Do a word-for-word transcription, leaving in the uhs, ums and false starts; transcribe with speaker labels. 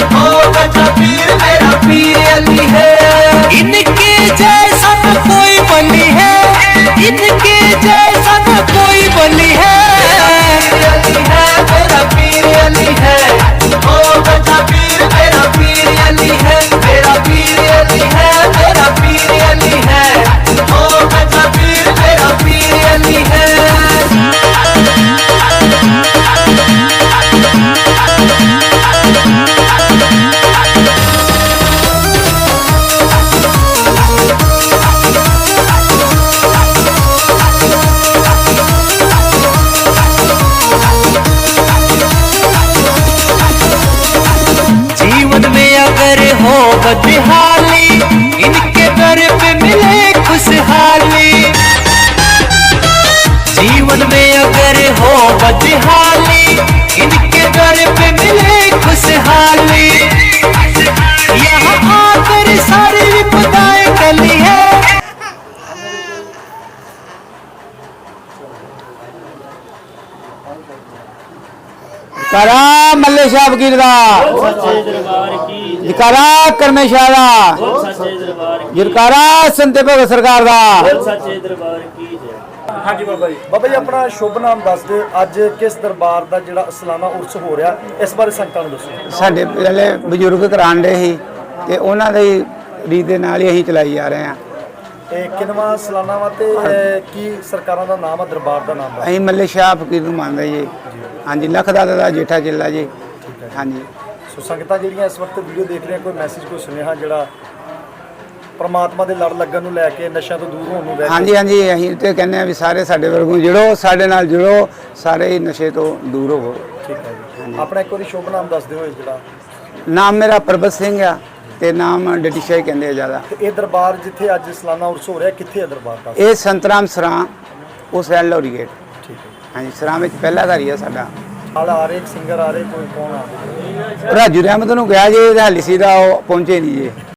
Speaker 1: ओ गजा पीर मेरा पीर अली है। इनके जैसा न कोई बली है, इनके जैसा न कोई बली है। अली है मेरा पीर अली है, ओ गजा पीर मेरा पीर अली है। मेरा पीर अली है, मेरा पीर अली है, ओ गजा पीर मेरा पीर अली है। जीवन में अगर हो बदहाली, इनके दर पे मिले खुशहाली। जीवन में अगर हो बदहाली, इनके दर पे मिले खुशहाली। यहाँ आकर सारी विपदाएं टली है।
Speaker 2: करा मल्ले शाह फकीर दा, जकारा करमे शाह दा, जकारा संते भगत सरकार दा।
Speaker 3: हाँ जी बाबा जी, बाबा जी अपना शुभ नाम दस दे। अज किस दरबार का जिहड़ा सालाना उर्स हो रहा, इस बारे संगतां नूं दसो।
Speaker 2: साडे पहले बजुर्ग कराण दे ही ते उन्हां दी रीत दे नाल ही असीं चलाई जा रहे हां।
Speaker 3: ਇਹ ਕਿੰਨਵਾਂ ਸਾਲਾਨਾ ਵਾ ਤੇ ਕੀ ਸਰਕਾਰਾਂ ਦਾ ਨਾਮ ਆ, ਦਰਬਾਰ ਦਾ ਨਾਮ ਆ?
Speaker 2: ਅਸੀਂ ਮੱਲੇ ਸ਼ਾਹ ਫਕੀਰ ਨੂੰ ਮੰਨਦੇ ਜੀ। ਹਾਂਜੀ, ਲੱਖ ਦਾਦਾ ਦਾ ਜੇਠਾ ਚੇਲਾ ਜੀ। ਹਾਂਜੀ,
Speaker 3: ਸੋ ਸੰਗਤਾਂ ਜਿਹੜੀਆਂ ਇਸ ਵਕਤ ਵੀਡੀਓ ਦੇਖ ਰਹੀਆਂ, ਕੋਈ ਮੈਸੇਜ ਕੋਈ ਸੁਨੇਹਾ ਜਿਹੜਾ ਪਰਮਾਤਮਾ ਦੇ ਲੜ ਲੱਗਣ ਨੂੰ ਲੈ ਕੇ, ਨਸ਼ਿਆਂ ਤੋਂ ਦੂਰ ਹੋਣ ਨੂੰ ਲੈ ਕੇ?
Speaker 2: ਹਾਂਜੀ ਹਾਂਜੀ, ਅਸੀਂ ਤੇ ਕਹਿੰਦੇ ਆ ਵੀ ਸਾਰੇ ਸਾਡੇ ਵਰਗੋਂ ਜੁੜੋ, ਸਾਡੇ ਨਾਲ ਜੁੜੋ, ਸਾਰੇ ਹੀ ਨਸ਼ੇ ਤੋਂ ਦੂਰ ਹੋਵੋ।
Speaker 3: ਠੀਕ ਹੈ ਜੀ, ਆਪਣਾ ਇੱਕ ਵਾਰੀ ਸ਼ੁਭ ਨਾਮ ਦੱਸ ਦਿਓ। ਜਿਹੜਾ
Speaker 2: ਨਾਮ ਮੇਰਾ ਪਰਬਤ ਸਿੰਘ ਆ ਤੇ ਨਾਮ ਡਿਟੀ ਸ਼ਾਹ ਕਹਿੰਦੇ ਆ ਜ਼ਿਆਦਾ।
Speaker 3: ਤੇ ਇਹ ਦਰਬਾਰ ਜਿੱਥੇ ਅੱਜ ਸਾਲਾਨਾ ਉਰਸ ਹੋ ਰਿਹਾ, ਕਿੱਥੇ ਹੈ ਦਰਬਾਰ ਦਾ?
Speaker 2: ਇਹ ਸੰਤਰਾਮ ਸਰਾਂ ਉਸ ਐਲ ਲੋਰੀ ਗੇਟ।
Speaker 3: ਠੀਕ ਹੈ।
Speaker 2: ਹਾਂਜੀ, ਸਰਾਂ ਵਿੱਚ ਪਹਿਲਾ ਘਰ ਹੀ ਆ ਸਾਡਾ।
Speaker 3: ਨਾਲ ਆ ਰਹੇ ਸਿੰਗਰ ਆ ਰਹੇ, ਕੋਈ ਕੌਣ ਆ?
Speaker 2: ਰਾਜੂ ਰਹਿਮਤ ਨੂੰ ਗਿਆ ਜੀ, ਹਾਲੀ ਸੀ ਦਾ ਉਹ ਪਹੁੰਚੇ ਨਹੀਂ ਜੀ।